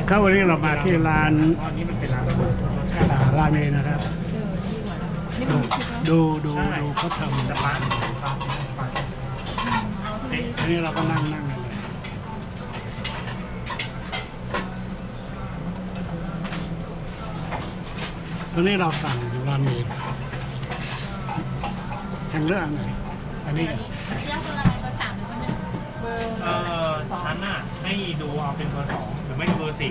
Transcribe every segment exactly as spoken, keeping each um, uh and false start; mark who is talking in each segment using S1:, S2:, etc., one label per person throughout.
S1: ครับวันนี้เรามาที่ร้าน
S2: ตอนนี้มันเป็นร้านรสชาติ
S1: อ่าราเมนนะครับ ดูดูดูเขาทำ
S2: แต่ร้านร้านร้านเจ๊
S1: อันนี้เราก็นั่งนั่งกันเลยตอนนี้เราสั่งราเมนทางเลือกอันไหนอันนี้
S3: เลือกเบอร์อะไรเบอร์สามหรือเบอร์หนึ่งเบอร์
S2: เออฉันน่ะให้ดูเอาเป็นเบอร์สองหรือไม่ก็เบอร์สี่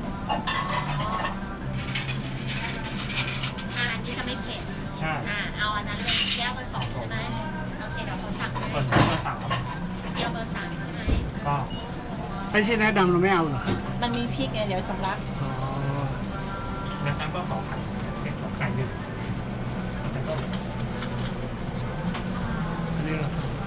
S3: อ่าอันนี้จะไม่เผ็ด
S2: ใช่
S3: อ่าเอาอันนั้นเลยแก้วเบอร์สองใช่ไหมโอเคเดี๋ยวเขาสั่งให้
S2: เบอร์สองเบอร์สาม
S3: แก้วเบอร์สามใช่ไหม
S2: ก็
S1: ไอ้ที่แนะนำเราไม่เอาเหรอ
S4: มันมีพริกไงเดี๋ยวสำลัก
S1: อ๋อ
S2: ในชั้นก็สองไข่เป็นสองไข่หนึ่งแล้วก็
S1: อันนี้เราสั่ง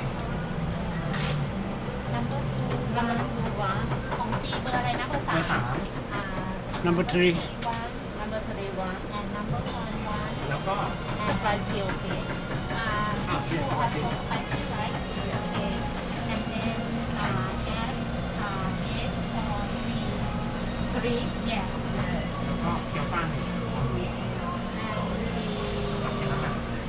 S3: นัมเบอร์ทูนัมเบอร์ทูวะของซีเบอร์อะไรนะเบอร์
S2: เบ
S3: สา
S2: อ
S3: ม
S2: ร์สาม
S3: อ่า
S1: number three
S3: วะ
S4: น้ำมันทะเลวะ
S3: and number one วะ
S2: แล้วก็
S4: สไปซี่โอเค
S3: อ่า two or four spicy right okay and then uh add uh egg for three three yeah
S2: แล้วก็เกี๊ยวป้าหนึ่ง
S3: and the
S2: แค่นั้นแหละ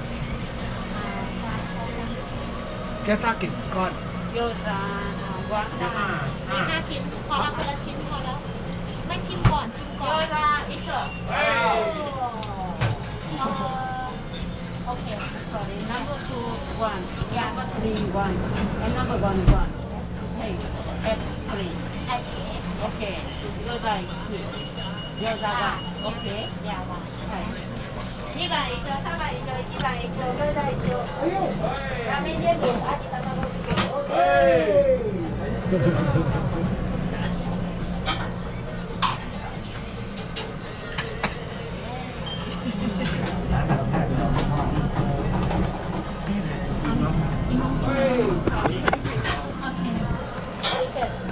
S1: แค่ซากิก้อน
S4: โยซาอ่าวะ
S2: เกี๊ยวป้า
S3: มี
S2: ห้า
S3: ห้าชิ้นพอแล้วคนละชิ้นพอแล้วไม่ชิมก่อนชิมก่อนโยซาอิเชอร์โอเค
S4: sorry number two one number three one and number one one hey at three
S3: ไอเอฟ
S4: okay โยซาคือโยซาวะโอเค
S3: ยาวะ
S4: ใช่
S3: にばん以上さんばん以上いちばん以上ごばん以上ラーメン全部味玉漬け OK กี่โมงกี่โมงโอเค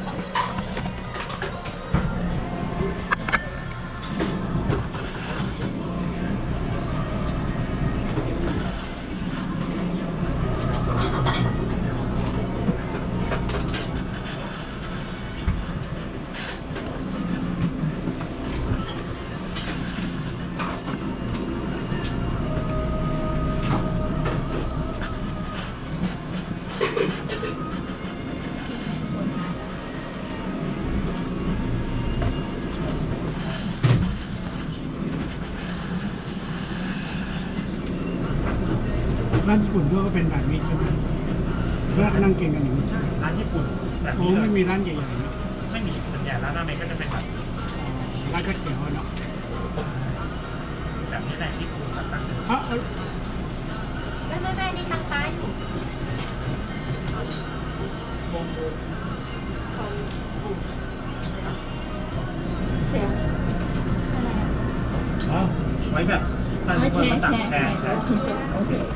S1: ร้านญี่ปุ่นก็เป็นแบบนี้ใช่ไหมเพื่อนั่งกินกันอย่างนี้
S2: ร้านญี่ปุ่นแบบ
S1: โอ้
S2: นี้เล
S1: ไม่
S2: ย
S1: มีร้านใหญ่ๆนะ
S2: ไม่มีส่วนใหญ่ร้านราเมงก็จะเป็นแบบนี้
S1: ร้านก๋วยเตี๋ยวเนาะ
S2: แบบนี้แหละที่คุณแบบตั้ง
S1: เอ้าเอ้า
S3: ไม่ไม่ไม่นี่ตังป้าอยู่
S2: อ๋อไว้แบบถ้าทุกคนมาสั่งแชร์แชร์โอเค